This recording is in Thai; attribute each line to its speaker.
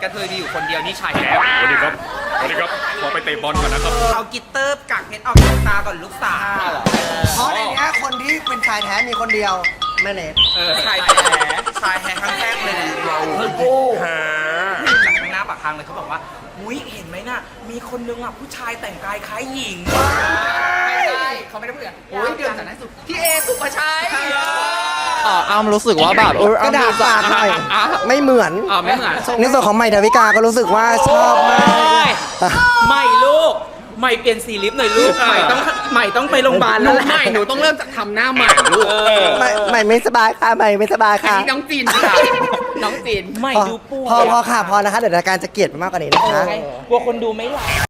Speaker 1: กระเทยมีอยู่คนเดียวนี่ชายแท้
Speaker 2: สวัสดีครับขอไปเตะบอลก่อนนะครับ
Speaker 1: เอากิตเตอร์กักเพชรออกจากตาก่อนลูกสาว
Speaker 3: เพราะในนี้คนที่เป็นชายแท้มีคนเดียวแม่เนท
Speaker 1: ชายแท้ชายแท้ครั้งแรกเลยเราจากข้างหน้าปากทางเลยเขาบอกว่าอุ้ยเห็นไหมน่ะมีคนนึงอ่ะผู้ชายแต่งกายคล้ายหญิงไม่ได้เขาไม่ได้พูดอย่างโอ้ยเดือนจากนั้นสุดพี่เอสุภาชัย
Speaker 4: อ้ำรู้สึกว่าแบบ
Speaker 3: กระดาษปากหน่อยไม่เหมือน
Speaker 1: ไม่เหมือน
Speaker 3: ในส่วนของใหม่ดาวิกาก็รู้สึกว่าชอบมาก
Speaker 1: ใหม่ลูกใหม่เปลี่ยนสีลิปหน่อยลูกใหม่ต้องไปโรงพยาบาลแล้วแหละใหม่หนูต้องเริ่มจากทำหน้าใหม่ลูก
Speaker 3: ใหม่ไม่สบายค่ะใหม่ไม่สบายค่ะ
Speaker 1: น้องจีนค่ะน้องจีนใหม่ดูป่วย
Speaker 3: พอค่ะพอนะคะเดี๋ยวรายการจะเกลียดไปมากกว่านี้นะคะ
Speaker 1: กลัวคนดูไม่หลับ